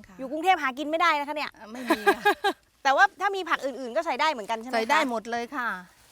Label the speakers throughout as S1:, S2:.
S1: ค่ะอยู่กรุงเทพหากินไม่ได้นะคะเนี่ย
S2: ไม่มีค่ะ
S1: แต่ว่าถ้ามีผักอื่นๆก็ใส่ได้เหมือนกันใช่ไหมคะ
S2: ใส่ได้หมดเลยค่ะ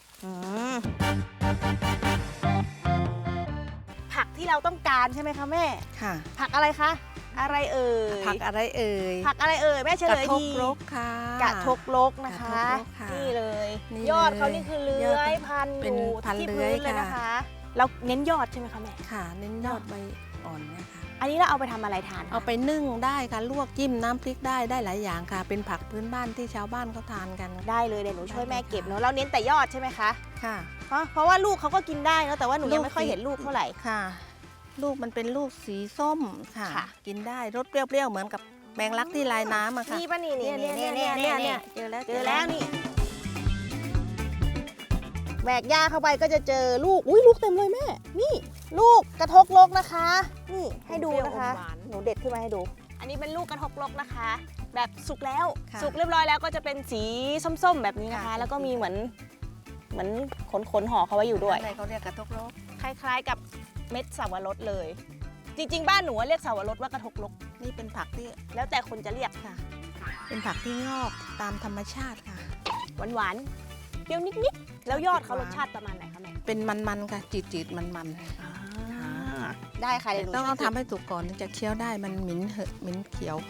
S1: ผักที่เราต้องการใช่ไหมคะแม่
S2: ค่ะ
S1: ผักอะไรคะอะไรเอ่ย
S2: ผักอะไรเอ่ย
S1: ผักอะไรเอ่ยแม่เฉลยดี
S2: กระทกรกค่ะ
S1: กระทกรกนะคะนี่เลยยอดเขานี่คือเลื้อยพันอยู่ที่พื้นเลยนะคะเราเน้นยอดใช่ไหมคะแม่
S2: ค่ะเน้นยอดใบอ่อนเนี่ยค่ะ
S1: อันนี้เราเอาไปทำอะไรทาน
S2: เอาไปนึ่งได้ค่ะลวกจิ้มน้ำพริกได้หลายอย่างค่ะเป็นผักพื้นบ้านที่ชาวบ้านเขาทานกัน
S1: ได้เลยเดี๋ยวหนูช่วยแม่เก็บเนาะเราเน้นแต่ยอดใช่ไหมคะ
S2: ค่ะ
S1: เพราะว่าลูกเขาก็กินได้เนาะแต่ว่าหนูยังไม่ค่อยเห็นลูกเท่าไหร่
S2: ค่ะลูกมันเป็นลูกสีส้มค่ะกินได้รสเปรี้ยวๆเหมือนกับแมงลักที่ลายน้ำอะค่ะ
S1: นี่ป่ะนี่
S2: เจอแล้ว
S1: นี่แหวกหญ้าเข้าไปก็จะเจอลูกลูกเต็มเลยแม่นี่ลูกกระทกรกนะคะนี่ให้ดูนะคะหนูเด็ดขึ้นมาให้ดูอันนี้เป็นลูกกระทกรกนะคะแบบสุกแล้วสุกเรียบร้อยแล้วก็จะเป็นสีส้มๆแบบนี้นะคะแล้วก็มีเหมือนขนห่อเขาไว้อยู่ด้วย
S2: อะไรเขาเรียกกระทกรก
S1: คล้ายๆกับเม็ดสาวรสเลยจริงๆบ้านหนูเรียกสาวรสว่ากระทกรก
S2: นี่เป็นผักที่
S1: แล้วแต่คนจะเรียก
S2: ค่ะเป็นผักที่งอกตามธรรมชาติค่ะ
S1: หวานเปรี้ยวนิดๆแล้วยอดเขารสชาติประมาณไหนคะแม่
S2: เป็นมันๆค่ะจืดๆมัน
S1: ๆได้ค่ะเดี๋ยว
S2: ต้องทำให้สุกก่อนถึงจะเคี้ยวได้มันเหม็นเขียว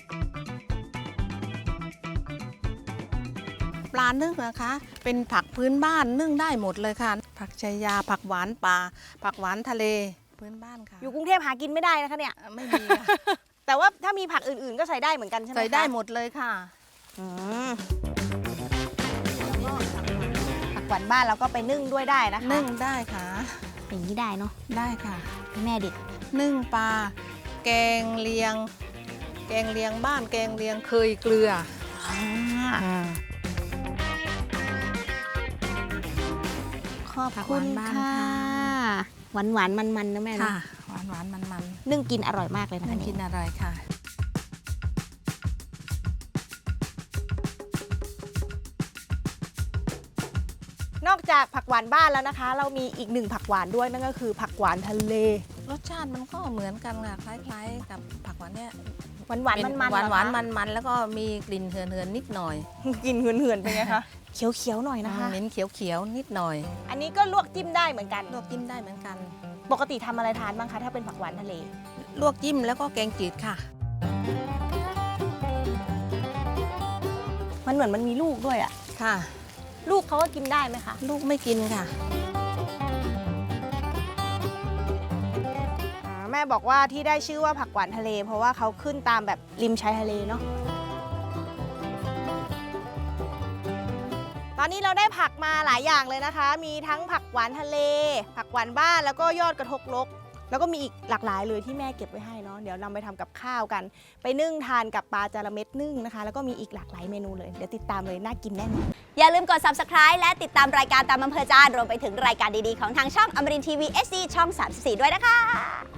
S2: ปลานึ่งนะคะเป็นผักพื้นบ้านนึ่งได้หมดเลยค่ะผักชายาผักหวานป่าผักหวานทะเลพื้นบ้านค่ะ
S1: อยู่กรุงเทพหากินไม่ได้นะคะเนี่ย
S2: ไม่มี
S1: แต่ว่าถ้ามีผักอื่นๆก็ใส่ได้เหมือนกันใช่ไหม
S2: ใส่ได้หมดเลยค่ะ
S1: ผักหวานบ้านเราก็ไปนึ่งด้วยได้นะคะ
S2: นึ่งได้ค่ะ
S1: อย่างนี้ได้เนาะ
S2: ได้ค่ะ
S1: แม่เด็ด
S2: นึ่งปลาแกงเลียงบ้านแกงเลียงเคยเกลือ
S1: ขอบคุณค่ะหวานมันนะแม่
S2: ค่ะหวานมัน
S1: นึ่งกินอร่อยมากเลยนะ
S2: นึ่งกินอร่อยค่ะ
S1: นอกจากผักหวานบ้านแล้วนะคะเรามีอีกหนึ่งผักหวานด้วยนั่นก็คือผักหวานทะเล
S2: รสชาติมันก็เหมือนกันค่ะคล้ายๆกับผักหวานเนี่ย
S1: หวาน
S2: มันแล้วก็มีกลิ่นเหือนนิดหน่อย
S1: กลิ่นเหือนเป็นไงคะเขียวหน่อยนะคะ
S2: เหม็นเขียวนิดหน่อย
S1: อันนี้ก็ลวกจิ้มได้เหมือนกัน
S2: ลวกจิ้มได้เหมือนกัน
S1: ปกติทำอะไรทานบ้างคะถ้าเป็นผักหวานทะเล
S2: ลวกจิ้มแล้วก็แกงจืดค่ะ
S1: มันเหมือนมันมีลูกด้วยอ่ะ
S2: ค่ะ
S1: ลูกเขาก็กินได้ไหมคะ
S2: ลูกไม่กินค่ะ
S1: แม่บอกว่าที่ได้ชื่อว่าผักหวานทะเลเพราะว่าเขาขึ้นตามแบบริมชายทะเลเนาะตอนนี้เราได้ผักมาหลายอย่างเลยนะคะมีทั้งผักหวานทะเลผักหวานบ้านแล้วก็ยอดกระทกรกแล้วก็มีอีกหลากหลายเลยที่แม่เก็บไว้ให้เนาะเดี๋ยวนำไปทำกับข้าวกันไปนึ่งทานกับปลาจาระเม็ดนึ่งนะคะแล้วก็มีอีกหลากหลายเมนูเลยเดี๋ยวติดตามเลยน่ากินแน่นอน
S3: อย่าลืมกด Subscribe และติดตามรายการตามอำเภอใจรวมไปถึงรายการดีๆของทางช่องอมรินทร์ทีวี HD ช่อง 34 ด้วยนะคะ